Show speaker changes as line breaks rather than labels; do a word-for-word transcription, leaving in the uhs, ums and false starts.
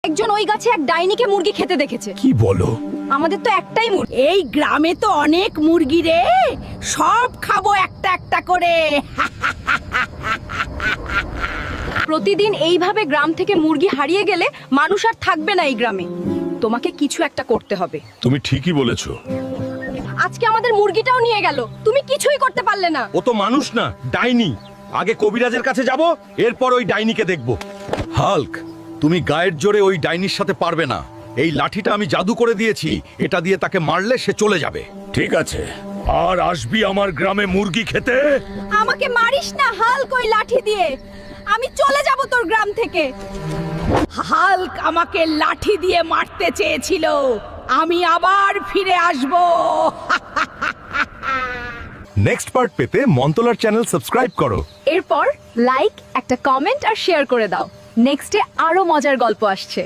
একজন ওই গাছে এক ডাইনিকে মুরগি খেতে দেখেছে।
কি বলো?
আমাদের তো একটাই মুরগি।
এই গ্রামে তো অনেক মুরগি রে, সব খাবো একটা একটা করে।
প্রতিদিন এইভাবে গ্রাম থেকে মুরগি হারিয়ে গেলে মানুষ আর থাকবে না এই গ্রামে। তোমাকে কিছু একটা করতে হবে।
তুমি ঠিকই বলেছো।
আজকে আমাদের মুরগিটাও নিয়ে গেল, তুমি কিছুই করতে পারলে না।
ও তো মানুষ না, ডাইনি। আগে কবিরাজের কাছে যাব, এরপর ওই ডাইনিকে দেখব।
হাল্ক, তুমি গায়ের জোরে ওই ডাইনির সাথে পারবে না। এই লাঠিটা আমি জাদু করে দিয়েছি, এটা দিয়ে তাকে মারলে সে চলে যাবে। ঠিক আছে, আর আসবি আমার গ্রামে মুরগি খেতে?
আমাকে মারিস না হাল্ক ওই লাঠি দিয়ে, আমি চলে যাব তোর গ্রাম থেকে।
হাল্ক আমাকে লাঠি দিয়ে মারতে চেয়েছিল, আমি আবার ফিরে আসব।
নেক্সট পার্ট পেতে মন্তলার চ্যানেল সাবস্ক্রাইব করো।
এরপর লাইক, একটা কমেন্ট আর শেয়ার করে দাও। নেক্সটে আরো মজার গল্প আসছে।